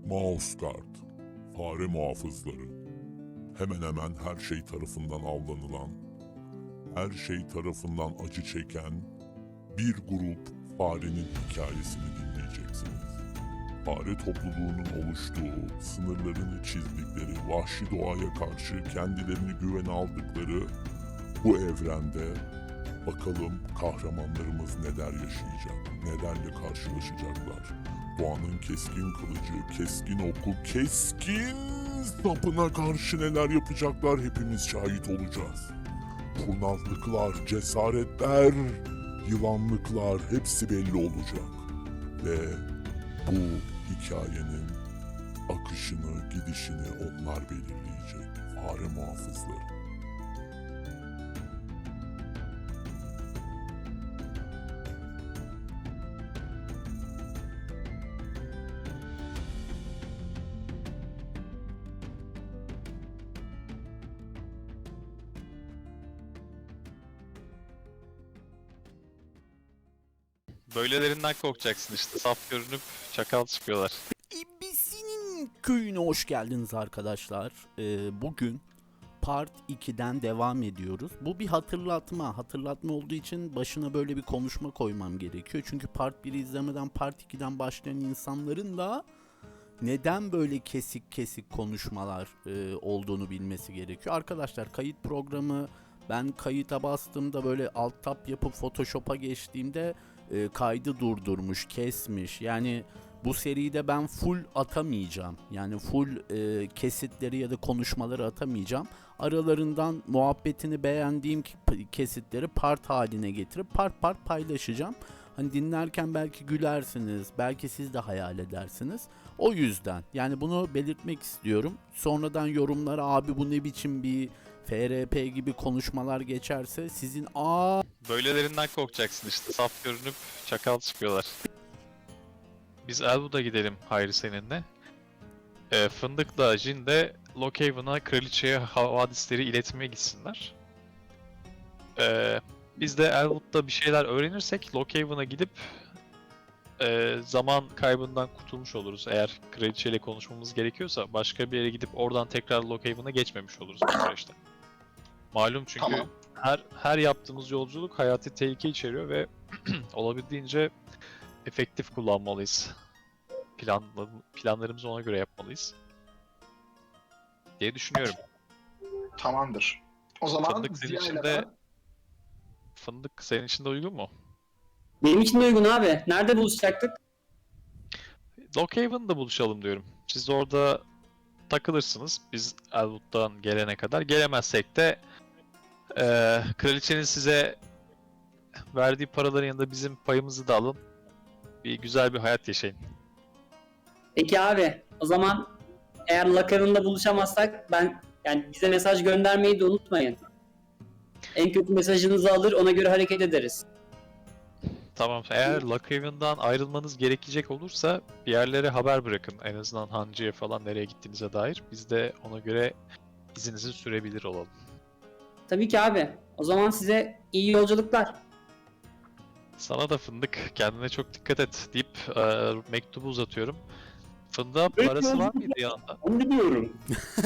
Mouse Guard, fare muhafızları, hemen hemen her şey tarafından avlanılan, her şey tarafından acı çeken bir grup farenin hikayesini dinleyeceksiniz. Fare topluluğunun oluştuğu, sınırlarını çizdikleri, vahşi doğaya karşı kendilerini güvene aldıkları bu evrende bakalım kahramanlarımız neler yaşayacak, nelerle karşılaşacaklar. Doğanın keskin kılıcı, keskin oku, keskin sapına karşı neler yapacaklar hepimiz şahit olacağız. Kurnazlıklar, cesaretler, yılanlıklar hepsi belli olacak. Ve bu hikayenin akışını, gidişini onlar belirleyecek. Fare muhafızları. Böylelerinden korkacaksın işte. Saf görünüp çakal çıkıyorlar. İbisi'nin köyüne hoş geldiniz arkadaşlar. Bugün Part 2'den devam ediyoruz. Bu bir hatırlatma. Hatırlatma olduğu için başına böyle bir konuşma koymam gerekiyor. Çünkü Part 1'i izlemeden Part 2'den başlayan insanların da neden böyle kesik kesik konuşmalar olduğunu bilmesi gerekiyor. Arkadaşlar kayıt programı ben kayıta bastığımda böyle alt tab yapıp Photoshop'a geçtiğimde kaydı durdurmuş, kesmiş. Yani bu seride ben full atamayacağım. Yani full kesitleri ya da konuşmaları atamayacağım. Aralarından muhabbetini beğendiğim kesitleri part haline getirip part part paylaşacağım. Hani dinlerken belki gülersiniz, belki siz de hayal edersiniz. O yüzden yani bunu belirtmek istiyorum. Sonradan yorumlara abi bu ne biçim bir FRP gibi konuşmalar geçerse sizin Böylelerinden korkacaksın işte. Saf görünüp çakal çıkıyorlar. Biz Elwood'a gidelim Hayri seninle. Fındık'la Jin de Lockhaven'a kraliçeye havadisleri iletmeye gitsinler. Biz de Elwood'da bir şeyler öğrenirsek Lockhaven'a gidip zaman kaybından kurtulmuş oluruz. Eğer kraliçeyle konuşmamız gerekiyorsa başka bir yere gidip oradan tekrar Lockhaven'a geçmemiş oluruz bu süreçte. Malum çünkü Tamam. her yaptığımız yolculuk hayati tehlike içeriyor ve olabildiğince efektif kullanmalıyız. Planlarımızı ona göre yapmalıyız diye düşünüyorum. Tamamdır. O zaman Fındık senin Ziya ile için de Fındık senin için de uygun mu? Benim için de uygun abi. Nerede buluşacaktık? Lockhaven'da buluşalım diyorum. Siz de orada takılırsınız. Biz Elwood'dan gelene kadar. Gelemezsek de kraliçenin size verdiği paraların yanında bizim payımızı da alın. Bir güzel bir hayat yaşayın. Peki abi. O zaman eğer Lakaran'da buluşamazsak yani bize mesaj göndermeyi de unutmayın. En kötü mesajınızı alır ona göre hareket ederiz. Tamam. Eğer Lockhaven'dan ayrılmanız gerekecek olursa bir yerlere haber bırakın. En azından Hancı'ya falan nereye gittiğinize dair. Biz de ona göre izinizi sürebilir olalım. Tabii ki abi. O zaman size iyi yolculuklar. Sana da Fındık kendine çok dikkat et deyip mektubu uzatıyorum. Fındık'a parası var mıydı yanında? Onu biliyorum.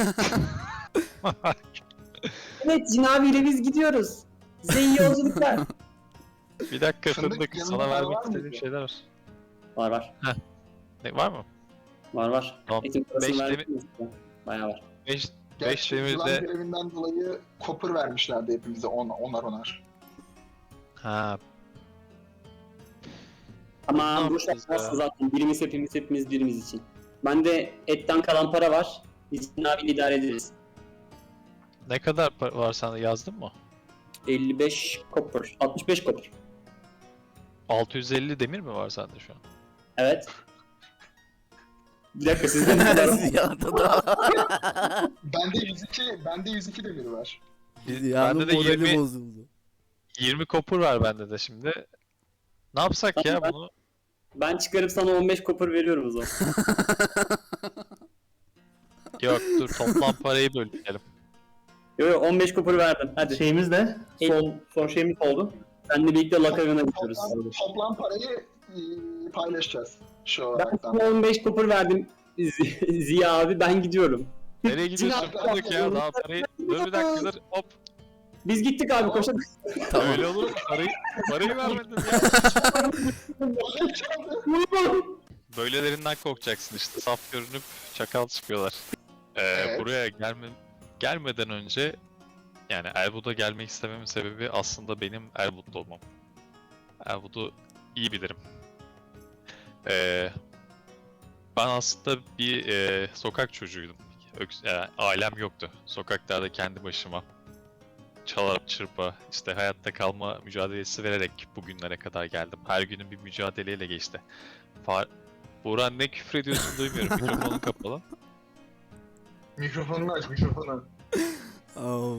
Evet Cin abiyle biz gidiyoruz. Size iyi yolculuklar. Bir dakika Fındık, Fındık, yanında sana para vermek var istediğim mıydı? şeyler var. Var. Ne, var mı? Var. Tamam. Eğitim parasını Beş verdik mi? Bayağı var. 5 Gerçi yılan demirde... görevinden dolayı kopur vermişlerdi hepimize onar. Ha, Ama Ne bu yapacağız şartlar ya? zaten birimiz birimiz için. Bende etten kalan para var. Biz Cin abiyle idare ederiz. ne kadar var sende, yazdın mı? 55 copper. 65 copper. 650 demir mi var sende şu an? Evet. Bir dakika sizde ne kadar var? Ziya'da da. Bende 102 demir var. Ziya'nın Bende de morali 20 bozuldu. 20 kopur var bende de şimdi. Ne yapsak ya Tamam, bunu? Ben çıkarıp sana 15 copper veriyorum o zaman. Yok dur, toplam parayı bölüşelim. Yo 15 copper verdim. Hadi. Şeyimiz ne? Son şeyimiz oldu. Seninle birlikte Lakaran'a gidiyoruz. Toplam parayı paylaşacağız şu Ben olaraktan. sana 15 copper verdim. Ziya abi ben gidiyorum. Nereye gidiyorsun? Sinan, Bulduk ya daha parayı. Dur bir dakika dur. Hop. Biz gittik abi koşalım. Tamam. Öyle olur mu? Parayı vermedin ya. Böylelerinden korkacaksın işte. Saf görünüp çakal çıkıyorlar. Evet. Buraya gelmeden önce yani Elwood'a gelmek istememin sebebi aslında benim Elwood'da olmam. Elwood'u iyi bilirim. Ben aslında bir sokak çocuğuydum. Ailem yoktu. Sokaklarda kendi başıma çalarak çırpa, işte hayatta kalma mücadelesi vererek bugünlere kadar geldim. Her günün bir mücadeleyle geçti. Buğra ne küfür ediyorsun duymuyorum. Mikrofonun kapalı. Mikrofonunu aç, mikrofonu. Aa,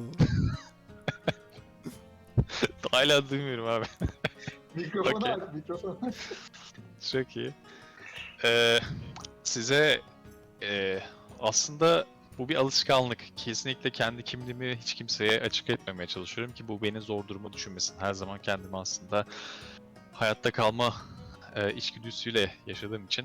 Hala duymuyorum abi. Mikrofonu Okey. aç, mikrofonu. Çok iyi. Size aslında bu bir alışkanlık. Kesinlikle kendi kimliğimi hiç kimseye açık etmemeye çalışıyorum ki bu beni zor duruma düşürmesin. Her zaman kendimi aslında hayatta kalma içgüdüsüyle yaşadığım için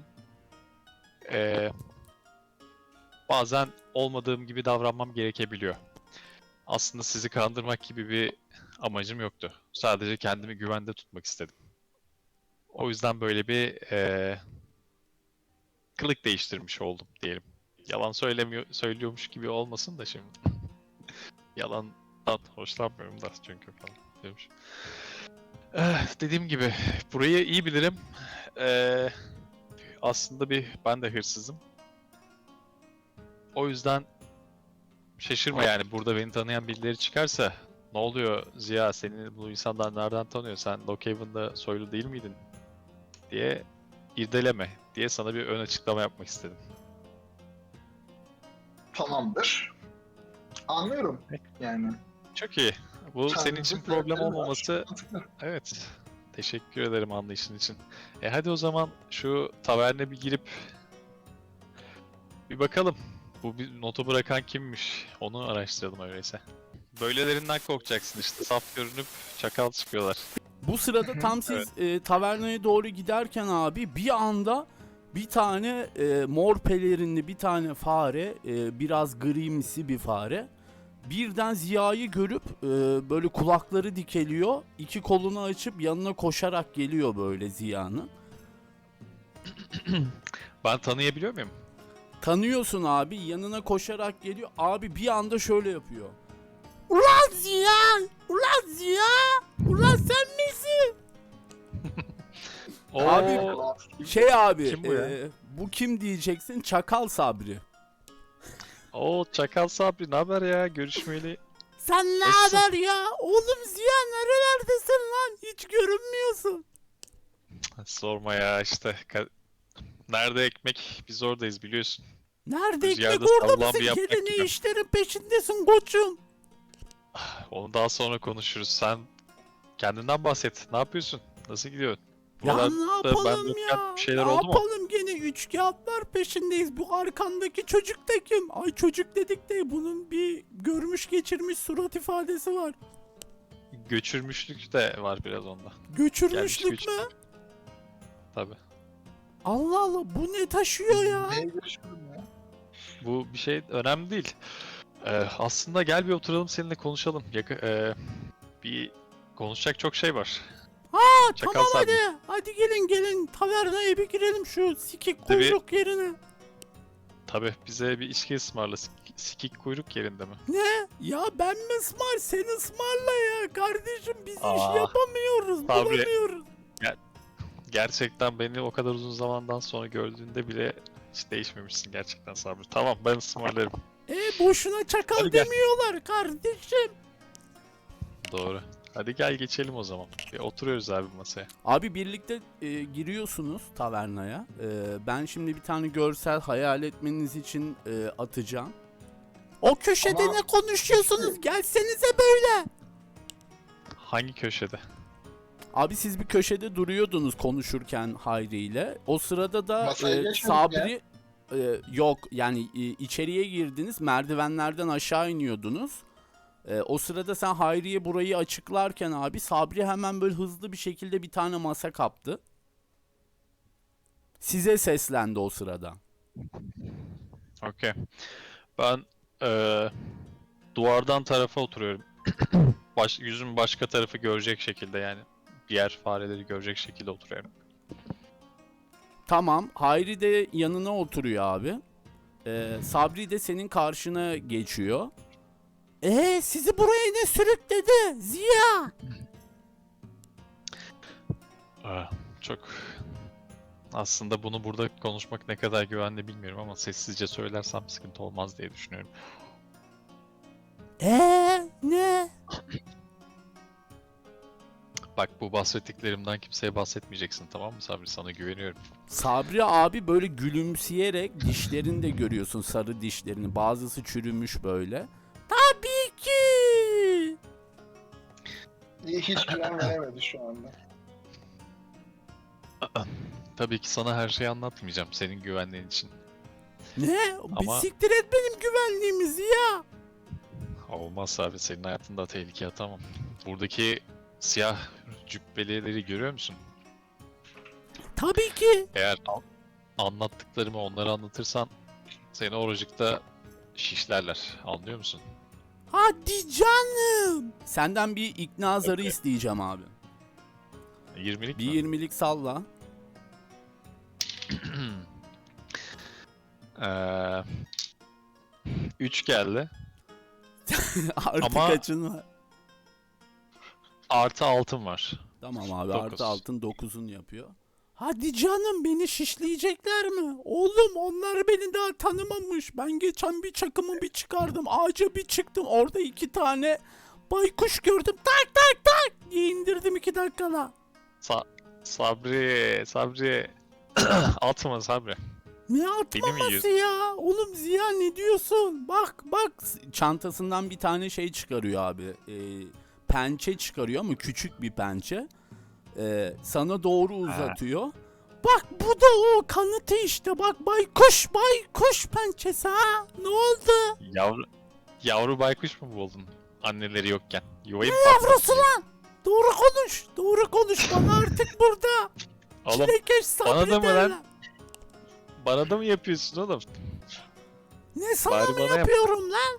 bazen olmadığım gibi davranmam gerekebiliyor. Aslında sizi kandırmak gibi bir amacım yoktu. Sadece kendimi güvende tutmak istedim. O yüzden böyle bir kılık değiştirmiş oldum diyelim. Yalan söylüyormuş gibi olmasın da şimdi. Yalandan hoşlanmıyorum da çünkü falan demiş. Dediğim gibi burayı iyi bilirim. Aslında ben de hırsızım. O yüzden şaşırma yani burada beni tanıyan birileri çıkarsa ne oluyor Ziya seni bu insanlar nereden tanıyor sen Lockhaven'da soylu değil miydin diye irdeleme diye sana bir ön açıklama yapmak istedim. Tamamdır. Anlıyorum yani. Çok iyi. Bu senin için Tanıdık problem sebepleri var. olmaması evet. Teşekkür ederim anlayışın için. Hadi o zaman şu taverne bir girip bir bakalım. Bu bir notu bırakan kimmiş? Onu araştıralım öyleyse. Böylelerinden korkacaksın işte. Saf görünüp çakal çıkıyorlar. bu sırada tam siz tavernaya doğru giderken abi bir anda bir tane mor pelerinli bir tane fare, biraz grimsi bir fare birden Ziya'yı görüp böyle kulakları dikeliyor, iki kolunu açıp yanına koşarak geliyor böyle Ziya'nın. Ben tanıyabiliyor muyum? Tanıyorsun abi, yanına koşarak geliyor. Abi bir anda şöyle yapıyor. Ulan Ziya! Ulan Ziya! Ulan sen misin? Abi, Oo, Şey abi, Kim bu ya? bu kim diyeceksin? Çakal Sabri. Çakal Sabri ne haber ya? Görüşmeyeli. Sen ne Nasılsın? haber ya? Oğlum Ziya nerelerdesin lan? Hiç görünmüyorsun. Sorma ya işte. Nerede ekmek? Biz oradayız biliyorsun. Nerede Rüzgarda ekmek orada sallan mısın? bir yaprak Gene ne gibi. işlerin peşindesin koçum. Onu daha sonra konuşuruz. Sen kendinden bahset. Ne yapıyorsun? Nasıl gidiyor? Ya Buralarda ne ben yapalım yokken ya? bir şeyler Ne oldu mu? yapalım gene üç kağıtlar peşindeyiz. Bu arkandaki çocuk da kim? Ay çocuk dedik de bunun bir görmüş geçirmiş surat ifadesi var. Göçürmüşlük de var biraz onda. Göçürmüşlük Gelmiş mü? Tabii. Allah Allah bu ne taşıyor ya? Neye görüşüyorum ya? Bu bir şey önemli değil. Aslında gel bir oturalım seninle konuşalım. Bir konuşacak çok şey var. Çakal Tamam Sabri. hadi. Hadi gelin tavernaya bir girelim şu sikik Tabii. kuyruk yerine. Tabii bize bir içki ısmarla. Sikik kuyruk yerinde mi? Ne? Ya ben mi ısmar? Sen ısmarla ya kardeşim biz Aa, iş yapamıyoruz, Sabri. bulamıyoruz. Gerçekten beni o kadar uzun zamandan sonra gördüğünde bile hiç değişmemişsin gerçekten Sabri. Tamam ben ısmarlarım. Boşuna çakal Hadi gel. demiyorlar kardeşim. Doğru. Hadi gel geçelim o zaman. Bir oturuyoruz abi masaya. Abi birlikte giriyorsunuz tavernaya. Ben şimdi bir tane görsel hayal etmeniz için atacağım. O köşede Ama- ne konuşuyorsunuz? Gelsenize böyle. Hangi köşede? Abi siz bir köşede duruyordunuz konuşurken Hayri ile. O sırada da Masaya geçmedik Sabri yok yani içeriye girdiniz, merdivenlerden aşağı iniyordunuz. O sırada sen Hayri'ye burayı açıklarken abi Sabri hemen böyle hızlı bir şekilde bir tane masa kaptı. Size seslendi o sırada. Okey. Ben duvardan tarafa oturuyorum. Yüzüm başka tarafı görecek şekilde yani. Diğer fareleri görecek şekilde oturuyorum. Tamam. Hayri de yanına oturuyor abi. Sabri de senin karşına geçiyor. Sizi buraya ne sürükledi? Ziya! Çok aslında bunu burada konuşmak ne kadar güvenli bilmiyorum ama sessizce söylersem sıkıntı olmaz diye düşünüyorum. Ne? Bak bu bahsettiklerimden kimseye bahsetmeyeceksin, tamam mı Sabri? Sana güveniyorum. Sabri abi böyle gülümseyerek dişlerini de görüyorsun, sarı dişlerini. Bazısı çürümüş böyle. Tabii ki. Hiç güven veremedi şu anda. Tabii ki sana her şeyi anlatmayacağım senin güvenliğin için. Ne? Bir Ama- siktir et benim güvenliğimizi ya. Olmaz abi, senin hayatında tehlikeye atamam. Buradaki siyah cübbelileri görüyor musun? Tabii ki. Eğer anlattıklarımı onlara anlatırsan seni oracıkta şişlerler. Anlıyor musun? Hadi canım. Senden bir ikna zarı isteyeceğim abi. 20'lik Bir mi? 20'lik salla. 3 geldi. Artı Ama- kaçın var? Artı altın var. Tamam abi, Dokuz. artı altın 9'un yapıyor. Hadi canım, beni şişleyecekler mi? Oğlum onlar beni daha tanımamış. Ben geçen bir çakımı bir çıkardım. Ağaca bir çıktım. Orada 2 tane baykuş gördüm. Tak tak tak diye indirdim 2 dakikada. Sabri. Atma Sabri. Ne Beni mi atmaması yiyorsun? ya? Oğlum Ziya ne diyorsun? Bak çantasından bir tane şey çıkarıyor abi. Pençe çıkarıyor ama küçük bir pençe. Sana doğru uzatıyor. Bak bu da o kanıtı işte. Bak baykuş pençesi ha. Ne oldu? Yavru baykuş mu buldun? Anneleri yokken. Yuvayı mı Yavrusu patlattın? lan. Doğru konuş bana artık burada. Oğlum Çilekeş Sabri bana da mı lan? derler. bana da mı yapıyorsun oğlum? Ne sana Bari mı bana yap. yapıyorum lan?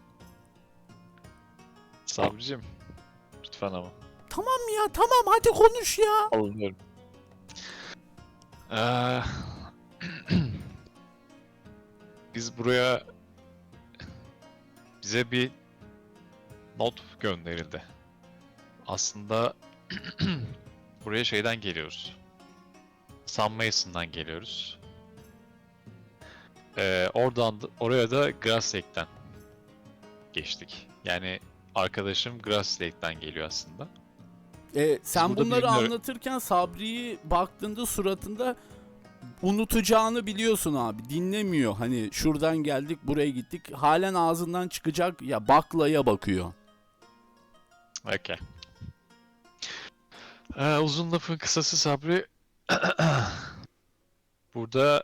Sabricim. Lütfen ama. Tamam ya, tamam hadi konuş ya. Alınıyorum. Ee, Biz buraya bize bir not gönderildi. Aslında buraya şeyden geliyoruz. Sam Mason'dan geliyoruz. Oraya da Grass Lake'den geçtik. Yani arkadaşım Grass Lake'den geliyor aslında. Sen burada bunları bilmiyorum. anlatırken Sabri'yi baktığında suratında unutacağını biliyorsun abi. Dinlemiyor. Hani şuradan geldik buraya gittik. Halen ağzından çıkacak ya baklaya bakıyor. Okay. Uzun lafın kısası Sabri. Burada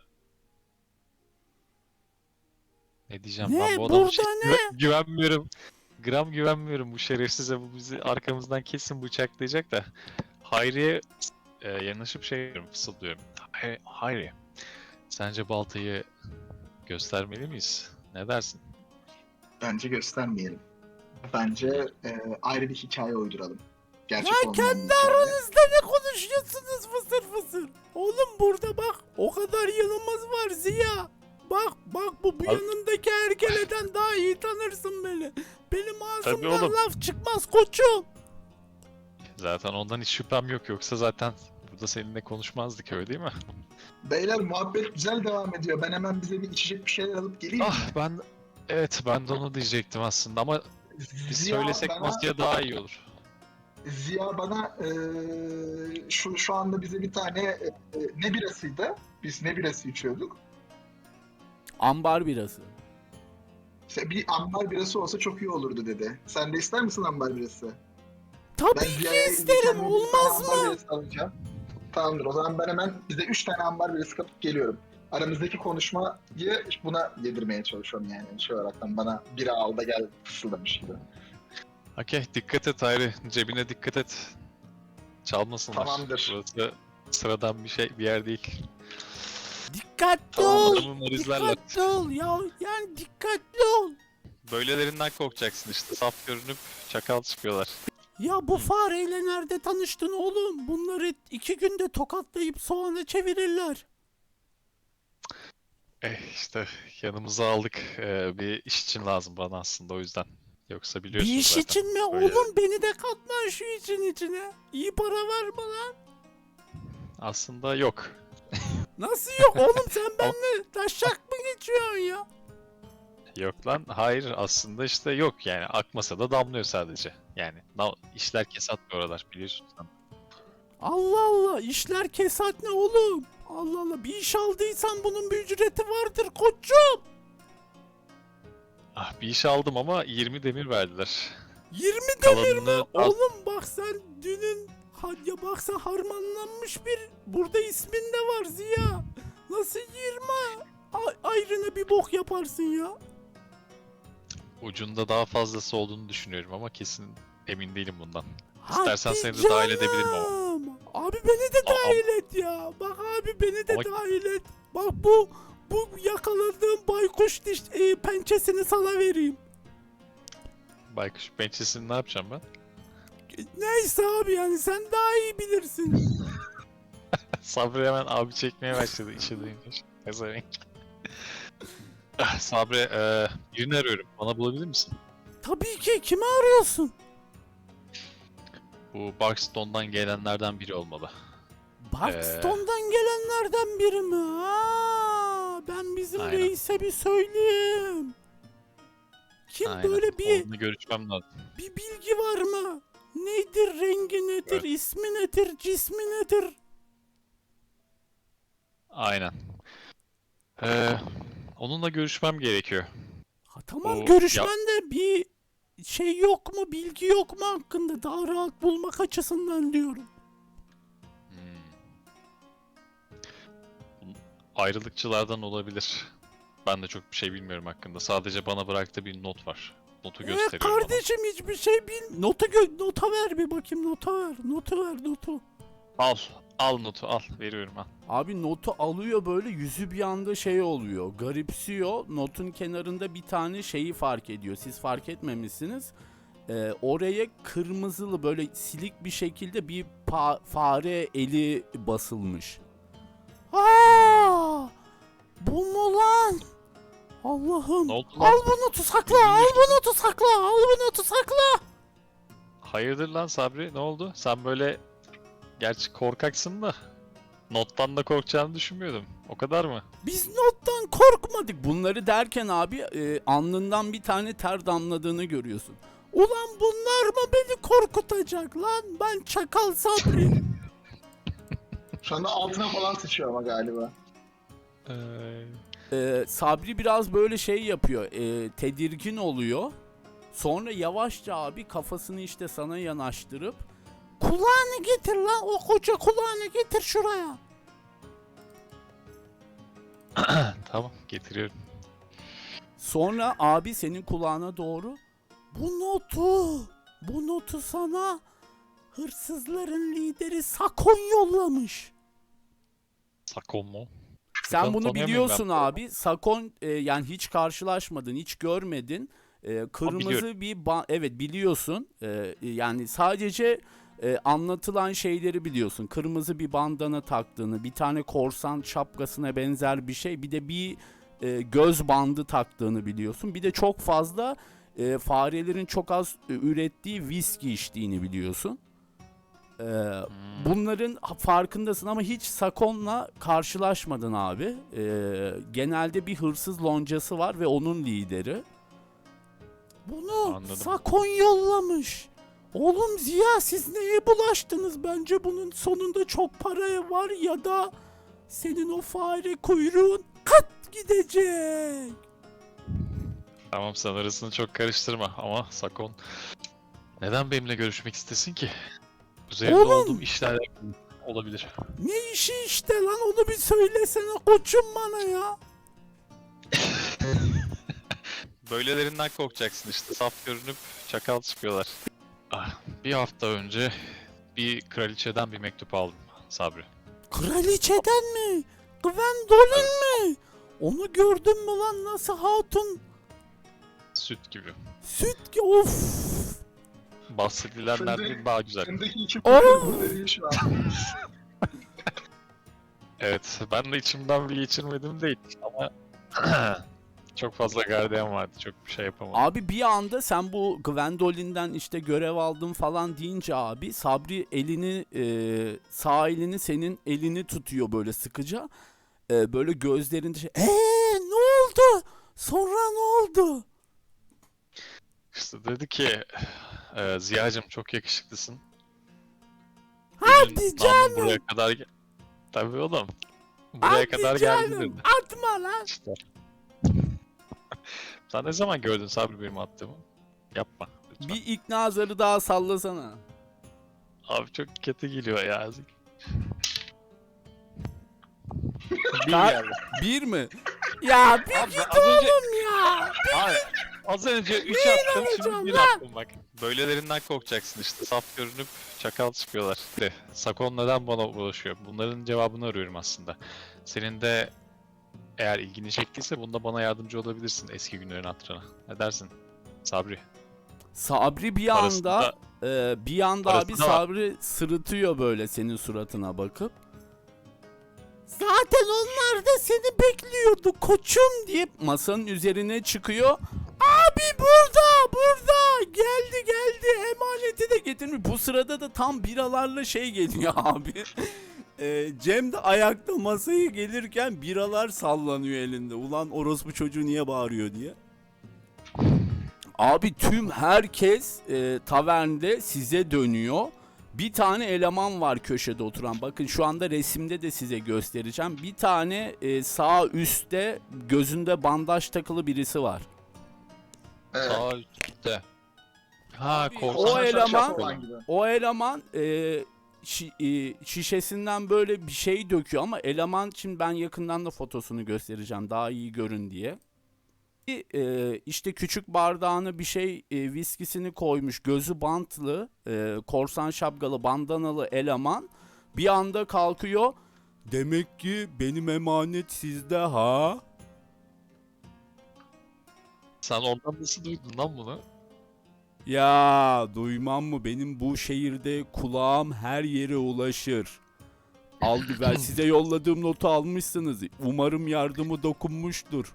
ne diyeceğim Ne? ben bu adama Burada ne? güvenmiyorum. Gram güvenmiyorum bu şerefsize, bu bizi arkamızdan kesin bıçaklayacak da. Hayri'ye yanaşıp şey diyorum, fısıldıyorum. Hayri, sence baltayı göstermeli miyiz? Ne dersin? Bence göstermeyelim. Bence ayrı bir hikaye uyduralım. Gerçek Ya olmayan kendi bir hikaye. aranızda ne konuşuyorsunuz fısır fısır? Oğlum burada bak o kadar yılımız var Ziya. Bak bu Abi- yanındaki ergeleden daha iyi tanırsın beni. Benim Tabii ağzımdan oğlum. laf çıkmaz koçum. Zaten ondan hiç şüphem yok, yoksa zaten burada seninle konuşmazdık, öyle değil mi? Beyler muhabbet güzel devam ediyor. Ben hemen bize bir içecek bir şeyler alıp geleyim. Ah ben de onu diyecektim aslında ama biz Ziya söylesek bana- masaya daha iyi olur. Ziya bana şu anda bize bir tane ne birasıydı? Biz ne birası içiyorduk? Ambar birası. İşte bir ambar birası olsa çok iyi olurdu dedi. Sen de ister misin ambar birası? Tabii Ben ki Ziya'ya isterim, kendime bir olmaz tane ambar mı? birası alacağım. Tamamdır, o zaman ben hemen bize 3 tane ambar birası kapıp geliyorum. Aramızdaki konuşmayı buna yedirmeye çalışıyorum yani. Şey olaraktan bana bira al da gel fısıldamış gibi. Okey, dikkat et Hayri, cebine dikkat et. Çalmasınlar. Tamamdır. Burası sıradan bir yer değil. Dikkat Dikkatli Tamam, ol. adamı izlerler. Dikkatli ol ya. Yani dikkatli ol. Böylelerinden korkacaksın işte. Saf görünüp çakal çıkıyorlar. Ya bu fareyle nerede tanıştın oğlum? Bunları 2 günde tokatlayıp soğana çevirirler. İşte yanımıza aldık. Bir iş için lazım bana aslında o yüzden. Yoksa biliyorsun Bir iş zaten. için mi? Böyle- Oğlum beni de katma şu için içine. İyi para var bana. Aslında yok. Nasıl yok oğlum sen benimle taşak mı geçiyorsun ya? Yok lan. Hayır aslında işte yok yani. Akmasa da damlıyor sadece. Yani işler kesat bu aralar biliyorsun sen. Allah Allah işler kesat ne oğlum? Allah Allah bir iş aldıysan bunun bir ücreti vardır koçum. Ah bir iş aldım ama 20 demir verdiler. 20 demir mi? Kalanını Oğlum bak sen dünün ya baksa harmanlanmış bir burada ismin de var Ziya. Nasıl 20 ayrına bir bok yaparsın ya? ucunda daha fazlası olduğunu düşünüyorum ama kesin emin değilim bundan. Hadi İstersen seni de dahil edebilirim ama. canım. Abi beni de Aa. dahil et ya. Bak abi beni de Ama- dahil et. Bak bu yakaladığım baykuş pençesini sana vereyim. Baykuş pençesini ne yapacağım ben? Neyse abi yani sen daha iyi bilirsin. Sabri hemen abi çekmeye başladı işe duyunca. Ezerenk. Sabri birini arıyorum. Bana bulabilir misin? Tabii ki kimi arıyorsun? Bu Barkstone'dan gelenlerden biri olmalı. Barkstone'dan gelenlerden biri mi? Ben bizim Aynen. reise bir söyleyeyim. Kim Aynen. böyle Onunla görüşmem lazım. bir bilgi var mı? Nedir, rengi nedir, Evet. ismi nedir, cismi nedir? Aynen. Onunla görüşmem gerekiyor. Ha, tamam O- görüşmende bir şey yok mu, bilgi yok mu hakkında daha rahat bulmak açısından diyorum. Ayrılıkçılardan olabilir. Ben de çok bir şey bilmiyorum hakkında. Sadece bana bıraktığı bir not var. Notu gösteriyor bana. Kardeşim hiçbir şey bil. Nota ver bir bakayım nota ver. Notu ver notu. Al. Al notu al. Veriyorum al. Abi notu alıyor böyle yüzü bir anda şey oluyor. Garipsiyor. Notun kenarında bir tane şeyi fark ediyor. Siz fark etmemişsiniz. Oraya kırmızılı böyle silik bir şekilde bir fare eli basılmış. Aa! Bu mu lan? Allah'ım. Ne oldu Al lan? bu notu sakla. Al bu notu sakla. Al bu notu sakla. Hayırdır lan Sabri? Ne oldu? Sen böyle... Gerçi korkaksın da... Nottan da korkacağını düşünmüyordum. O kadar mı? Biz nottan korkmadık. Bunları derken abi alnından bir tane ter damladığını görüyorsun. Ulan bunlar mı beni korkutacak lan? Ben Çakal Sabri. Şu anda altına falan sıçıyor ama galiba. Sabri biraz böyle şey yapıyor. Tedirgin oluyor. Sonra yavaşça abi kafasını işte sana yanaştırıp kulağını getir lan o koca kulağını getir şuraya. Tamam getiriyorum. Sonra abi senin kulağına doğru bu notu sana hırsızların lideri Sakon yollamış. Sakon mu? Sen Ben bunu tanıyamıyorum biliyorsun ben. abi. Sakon yani hiç karşılaşmadın, hiç görmedin. Kırmızı biliyorum. bir evet biliyorsun. Yani sadece anlatılan şeyleri biliyorsun. Kırmızı bir bandana taktığını, bir tane korsan şapkasına benzer bir şey, bir de bir göz bandı taktığını biliyorsun. Bir de çok fazla farelerin çok az ürettiği viski içtiğini biliyorsun. Bunların farkındasın ama hiç Sakon'la karşılaşmadın abi. Genelde bir hırsız loncası var ve onun lideri. Bunu Anladım. Sakon yollamış. Oğlum Ziya siz neye bulaştınız? Bence bunun sonunda çok paraya var ya da senin o fare kuyruğun kat gidecek. Tamam sen arasını çok karıştırma ama Sakon neden benimle görüşmek istesin ki? Üzerinde Oğlum! olduğum işlerle olabilir. Ne işi işte lan onu bir söylesene koçum bana ya. Böylelerinden korkacaksın işte. Saf görünüp çakal çıkıyorlar. Bir hafta önce bir kraliçeden bir mektup aldım Sabri. Kraliçeden mi? Gwendolyn mi? Onu gördün mü lan, nasıl hatun? Süt gibi. Süt ki of. Bahsedilenlerden daha güzel. Şimdiki iki Oh! kutu dediği şu an. Evet, ben de içimden bir geçirmedim değil ama çok fazla gardiyan vardı, çok bir şey yapamadım. Abi bir anda sen bu Gwendolyn'den işte görev aldın falan deyince abi Sabri elini sağ elini senin elini tutuyor böyle sıkıca. Böyle gözlerinde şey ne oldu? Sonra ne oldu? İşte dedi ki, Ziya'cım çok yakışıklısın. Hadi Namın canım. buraya kadar Tabii oğlum. Buraya Hadi kadar geldi canım, dedi. atma lan. İşte. Sen ne zaman gördün Sabri benim attığımı? Yapma. Lütfen. Bir ikna zarı daha sallasana. Abi çok kötü geliyor ya. Ka- Bir mi? Ya bir Abi, git az önce- oğlum ya. Abi, az önce 3 attım, inanacağım şimdi 1 lan? attım bak. Böylelerinden korkacaksın işte. Saf görünüp çakal çıkıyorlar. De, Sakon neden bana ulaşıyor? Bunların cevabını arıyorum aslında. Senin de eğer ilgini çektiyse bunda bana yardımcı olabilirsin eski günlerin hatırına. Ne dersin? Sabri. Sabri bir Parası anda da- bir anda parası abi da var. Sabri sırıtıyor böyle senin suratına bakıp. Zaten onlar da seni bekliyordu koçum diye masanın üzerine çıkıyor. Abi burada geldi emaneti de getirmiş. Bu sırada da tam biralarla şey geliyor abi. Cem de ayakta masaya gelirken biralar sallanıyor elinde. Ulan orospu çocuğu niye bağırıyor diye. Abi tüm herkes tavernde size dönüyor. Bir tane eleman var köşede oturan. Bakın şu anda resimde de size göstereceğim. Bir tane sağ üstte gözünde bandaj takılı birisi var. Evet. Sağ üstte. Ha, Abi, korsan o eleman- şapşal olan olan. gibi. O eleman şişesinden böyle bir şey döküyor ama eleman için ben yakından da fotosunu göstereceğim daha iyi görün diye. İşte küçük bardağına bir şey viskisini koymuş, gözü bantlı, korsan şapkalı, bandanalı eleman bir anda kalkıyor. Demek ki benim emanet sizde ha? Sen ondan nasıl duydun lan bunu? Ya duymam mı? Benim bu şehirde kulağım her yere ulaşır. Al güver size yolladığım notu almışsınız. Umarım yardımı dokunmuştur.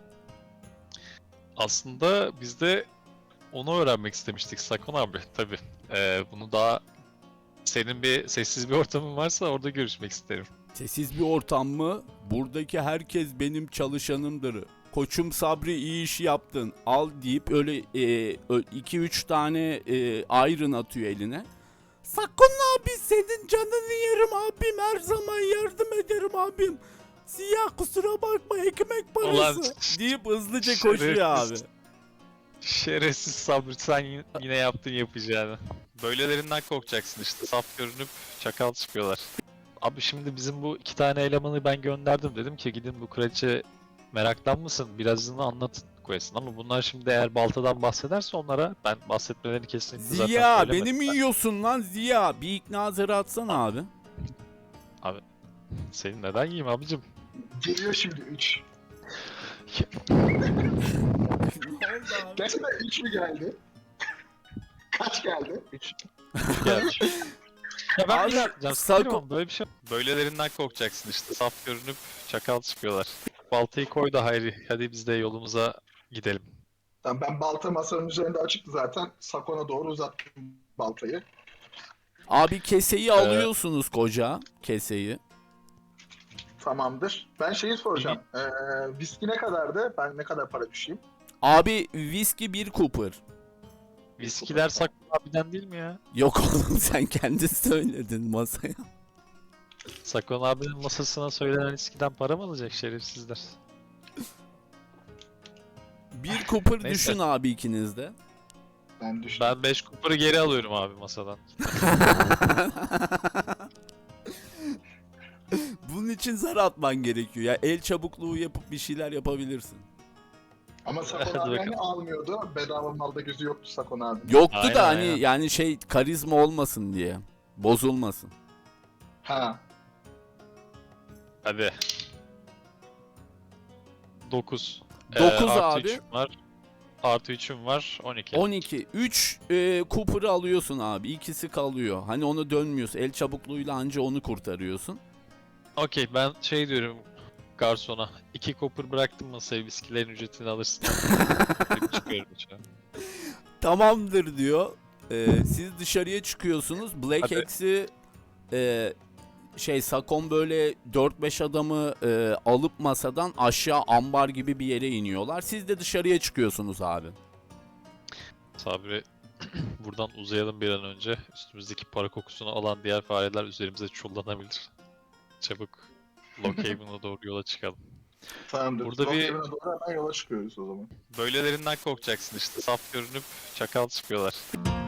Aslında biz de onu öğrenmek istemiştik Sakon abi tabi. Bunu daha senin bir sessiz bir ortamın varsa orada görüşmek isterim. Sessiz bir ortam mı? Buradaki herkes benim çalışanımdır. Koçum Sabri iyi iş yaptın. Al deyip öyle 2-3 tane iron atıyor eline. Sakın abi senin canını yerim abim. Her zaman yardım ederim abim. Siyah kusura bakma ekmek parası. Ulan, deyip hızlıca koşuyor abi. şerefsiz. Şerefsiz Sabri sen yine yaptın yapacağını. Böylelerinden korkacaksın işte. Saf görünüp çakal çıkıyorlar. Abi şimdi bizim bu 2 tane elemanı ben gönderdim. Dedim ki gidin bu kraliçe meraklanmasın. Birazını anlatın koyasın. Ama bunlar şimdi eğer baltadan bahsederse onlara ben bahsetmelerini kesinlikle zaten Ziya söylemedim. beni mi yiyorsun lan Ziya? Bir ikna zarı atsana abi. Senin neden yiyeyim abicim? Geliyor şimdi 3. Ne oldu abi? Gerçekten 3 mü geldi? Kaç geldi? 3. Gelmiş. Ya ben Abi, bir yapacağım. Sako- Böyle bir şey. Böylelerinden korkacaksın işte. Saf görünüp çakal çıkıyorlar. Baltayı koy da Hayri. Hadi biz de yolumuza gidelim. Tamam, ben balta masanın üzerinde açıktı zaten. Sakon'a doğru uzattım baltayı. Abi keseyi alıyorsunuz koca keseyi. Tamamdır. Ben şeyi soracağım. Viski ne kadardı? Ben ne kadar para düşeyim? Abi viski bir Cooper. Viskiler Sakon abiden değil mi ya? Yok oğlum sen kendin söyledin masaya. Sakon abinin masasına söylenen viskiden para mı alacak şerefsizler? Bir Cooper Neyse. düşün abi ikiniz de. Ben düştüm. Ben 5 kuparı geri alıyorum abi masadan. Bunun için zar atman gerekiyor ya. El çabukluğu yapıp bir şeyler yapabilirsin. Ama Sakon Hadi abi hani bakalım. almıyordu. Bedava malda gözü yoktu Sakon abi. Yoktu Aynen, da hani aynen. yani şey karizma olmasın diye. Bozulmasın. Ha. Hadi 9. 9 abi. 3'üm var. Artı 3'üm var. 12. 12. 3 Cooper'ı alıyorsun abi. İkisi kalıyor. Hani onu dönmüyorsun. El çabukluğuyla anca onu kurtarıyorsun. Okey, ben şey diyorum garsona. 2 copper bıraktım masaya, viskilerin ücretini alırsın. Çıkıyorum içeri. Tamamdır diyor. Siz dışarıya çıkıyorsunuz. Black Hadi. Axe'i Sakon böyle 4-5 adamı alıp masadan aşağı ambar gibi bir yere iniyorlar. Siz de dışarıya çıkıyorsunuz abi. Sabri, buradan uzayalım bir an önce. Üstümüzdeki para kokusunu alan diğer fareler üzerimize çullanabilir. Çabuk Lockhaven'a doğru yola çıkalım. Tamamdır. Burada bir- Lockhaven'a doğru hemen yola çıkıyoruz o zaman. Böylelerinden korkacaksın işte. Saf görünüp çakal çıkıyorlar.